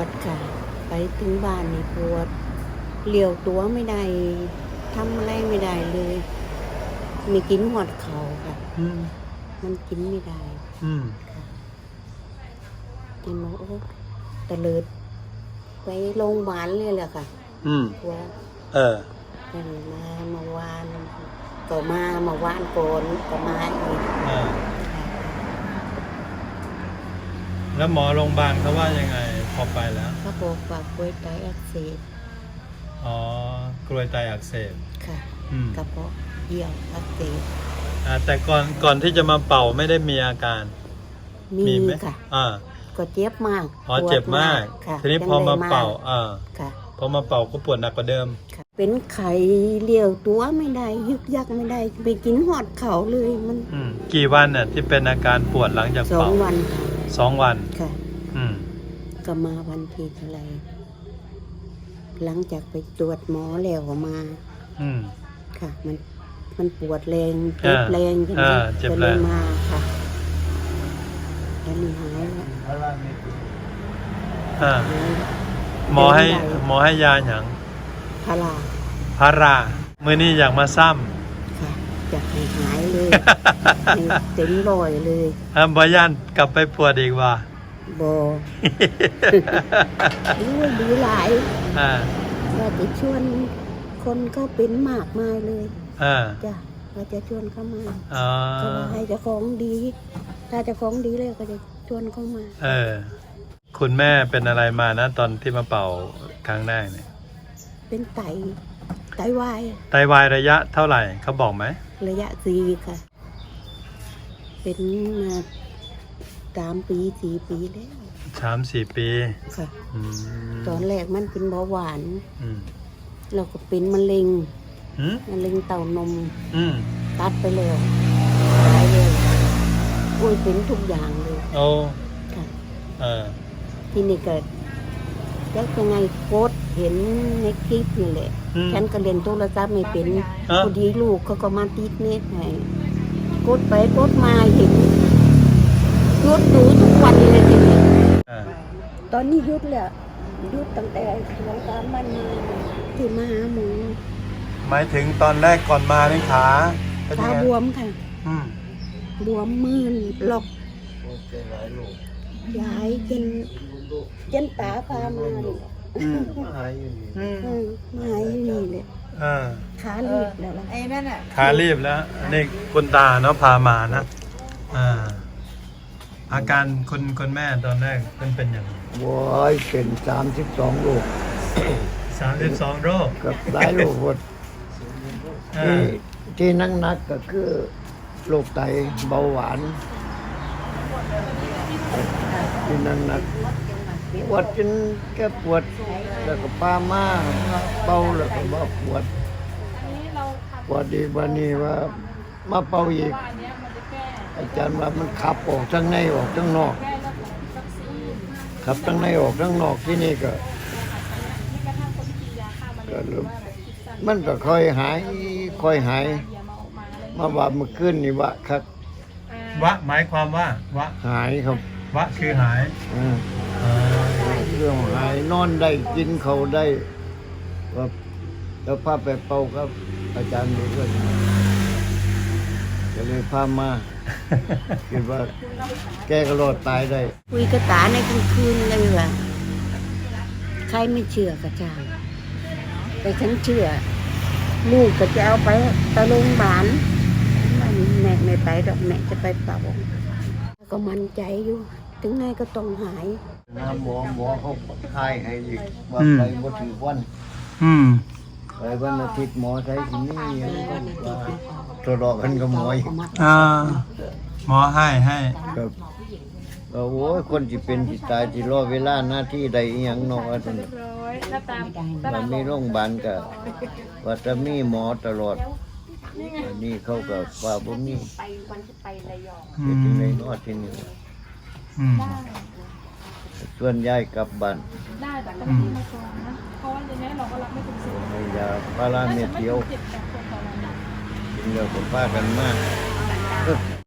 ดค่ะไปถึงบ้านนี่ปวดเลี้ยวตัวไม่ได้ทำอะไรไม่ได้เลยไม่กินหอดเขาค่ะมันกินไม่ได้ค่ะกินมาโอ้ตะเลิดไปโรงพยาบาลเลยแหละค่ะปวดมาวานก็มาวานโกนก็มาอีกแล้วหมอโรงพยาบาลเขาว่ายังไงพอไปแล้วเขาบอกว่ากล้วยไตอักเสบกล้วยไตอักเสบค่ะกระเพาะเยี่ยวอักเสบแต่ก่อนที่จะมาเป่าไม่ได้มีอาการมีไหมค่ะก็เจ็บมากเจ็บมากทีนี้พอมาเป่าพอมาเป่าก็ปวดหนักกว่าเดิมเป็นไข้เลี้ยวตัวไม่ได้ยึกยักไม่ได้ไปกินหอดเขาเลยมันกี่วันน่ะที่เป็นอาการปวดหลังจากเป่า 2 วัน 2 วันค่ะก็มาวันที่เท่าไหร่หลังจากไปตรวจหมอแล้วมาค่ะมันปวดแรงเจ็บแรงก็เลยมาค่ะแล้วนี่หายแล้วหมอให้ยาอย่างพารามื้อนี้อยากมาซ้ำค่ะอยากให้หายเลยเต็มร้อยเลยบ่ย่านกลับไปปวดอีกว่าบ่ดีหลายว่าจะชวนคนก็เป็นมากมายเลยจ้ะว่าจะชวนเข้ามาก็ว่าให้เจ้าของดีถ้าเจ้าของดีเลยก็จะชวนเข้ามาคุณแม่เป็นอะไรมานะตอนที่มาเป่าครั้งแรกเนี่ยเป็นไตวายระยะเท่าไหร่เขาบอกไหมระยะ4ค่ะเป็นมา3 ปี 4 ปีแล้ว 3-4 ปีค่ะตอนแรกมันเป็นเบาหวานเราก็เป็นมะเร็งเต้านมตัดไปแล้วตายเลยเป็นทุกอย่างเลยค่ะที่นี่เกิดแล้วยังไงโพสเห็นในคลิปนี่แหละฉันก็เรียนโทรศัพท์ไม่เป็นพอดีลูกเขาก็มาติดเน็ตให้กดไปกดมาเห็นยุดดูทุกวันเลยทีนี้ตอนนี้ยุดแล้วยุดตั้งแต่2-3 วันที่มาหาหมอหมายถึงตอนแรกก่อนมาในขาบวมค่ะบวมมือหลอกย้ายจนตาพามาเลยมาหายอยู่นี่เลยขาลีบแล้วไอ้นั่นอ่ะขาลีบแล้วนี่คุณตาเนาะพามานะอาการคุณแม่ตอนแรกเป็นอย่างไรเป็น32 โรค 32 โรคกับหลายโรคหมดที่นักก็คือโรคไตเบาหวานที่นักปวดจนแค่ปวดแล้วก็ปามาเป่าแล้วก็บ่ปวดดีวันนี้ว่ามาเป่าอีกอาจารย์ว่ามันขับออกทั้งในออกทั้งนอกขับทั้งในออกทั้งนอกที่นี่ก็มันก็ค่อยหายมาว่าเมื่อคืนนี่วะครับหมายความว่าวะหายครับคือหายเรื่องหายนอนได้กินเขาได้ว่าแล้วพาไปเป่าครับอาจารย์ดูด้วยก็เลยพามาคิดว่าแกก็รอดตายได้คุยกับตาในกลางคืนเลยว่ะใครไม่เชื่อก็ช่างแต่ฉันเชื่อลูกก็จะเอาไปโรงพยาบาลแม่ไม่ไปดอกแม่จะไปเป่าก็มั่นใจอยู่ถึงไงก็ต้องหายหมอเขาทายให้อีกว่าไปบ่ถึงวันไปวันอาทิตย์หมอใช้ที่นี่ทดลองกันกับหมออีกหมอให้ครับโอ้ยคนที่เป็นที่ตายที่รอเวลาหน้าที่ใดอีหยังเนาะว่าซั่นมันมีโรงพยาบาลก็ว่าจะมีหมอตลอดอันนี้เขาก็ว่าบ่มีไประยองเป็นจังได๋เนาะที่นี่ส่วนย้ายกลับบ้านได้แต่ก็ไม่มาก่อนนะเพราะว่าในนี้เราก็รับไม่ถึงสิยาพาราเม็ดเดียวกินแล้วก็พากันมาก